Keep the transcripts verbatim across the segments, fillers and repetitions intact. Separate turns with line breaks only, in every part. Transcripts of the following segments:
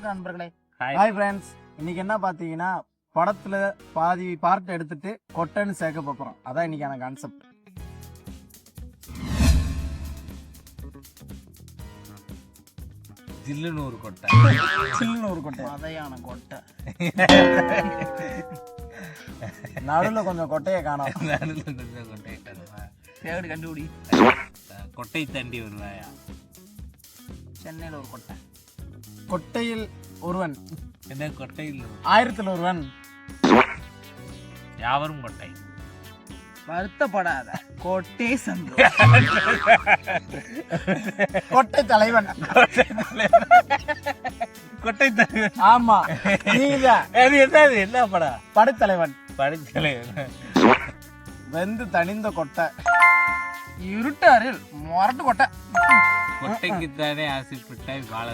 வணக்கம் நண்பர்களே.
Hi friends. இன்னைக்கு என்ன பார்த்தீங்கன்னா படத்துல பாதி பார்ட் எடுத்துட்டு கொட்டைன்னு சேர்க்க போகிறோம். அதான் இன்னைக்கான கான்செப்ட்.
ஜில்லுன்னு ஒரு கொட்டை,
சில்லுன்னு ஒரு கொட்டை,
மதையான கொட்டை,
நடுவில் கொஞ்சம் கொட்டையை காணோம்.
நடுவில் கொஞ்சம் கொட்டையை காணுமா?
தேடி கண்டுபிடி.
கொட்டை தாண்டி வருவாயா?
சென்னையில் ஒரு கொட்டை.
கொட்டையில் ஒருவன்,
என்ன கொட்டையில்
ஆயிரத்தில் ஒருவன்,
யாவரும் கொட்டை.
வருத்தப்படாத கொட்டை சந்து,
கொட்டை தலைவன்.
கொட்டை தலைவன்.
ஆமா, நீங்க
அது என்னது? என்ன படம்?
படைத்தலைவன்.
படைத்தலைவன்.
வெந்து தணிந்த கொட்டை,
இருட்டாரில் மொரட்டு கொட்டை.
கொட்டைக்குத்தானே ஆசைப்பட்டாய் வாழ.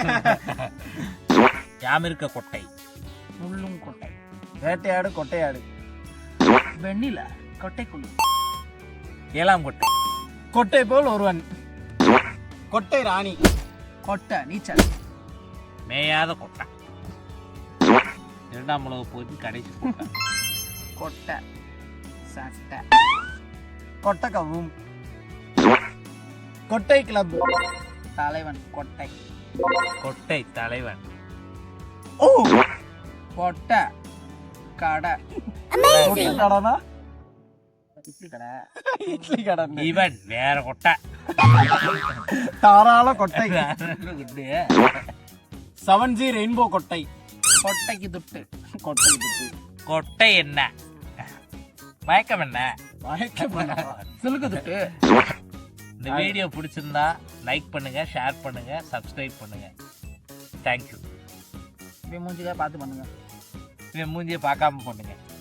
யாமிருக்க கொட்டை,
முள்ளும் கொட்டை,
வேட்டையாடு கொட்டையாடு,
வெண்ணில கொட்டைக்குள்ளு,
ஏழாம் கொட்டை,
கொட்டை போல் ஒருவன், கொட்டை ராணி,
கொட்டை நீச்சல்,
மேயாத கொட்டை, இரண்டாம் உலக போது கடைசி கொட்டை,
கொட்டை சட்டை,
கொட்டை கவும், கொட்டை கிளப்,
தலைவன் கொட்டை,
கொட்டை தலைவன்,
ஓ
கொட்டை கடை,
கொட்டை கடைனா
இட்லி கடை,
இட்லி கடை,
இவன் வேற கொட்டை,
தாராள கொட்டை,
கொட்டையே.
செவன் ஜி ரெயின்போ கொட்டை,
கொட்டைக்கு துட்டு,
கொட்டை துட்டு,
கொட்டை என்ன மயக்கம் என்ன?
மயக்கம் என்ன?
சிலுக்கு துட்டு.
இந்த வீடியோ பிடிச்சிருந்தா லைக் பண்ணுங்க, ஷேர் பண்ணுங்க, சப்ஸ்கிரைப் பண்ணுங்க. தேங்க்யூ.
இப்படி மூஞ்சிக்காக பார்த்து பண்ணுங்க.
இவன் மூஞ்சியை பார்க்காம பண்ணுங்க.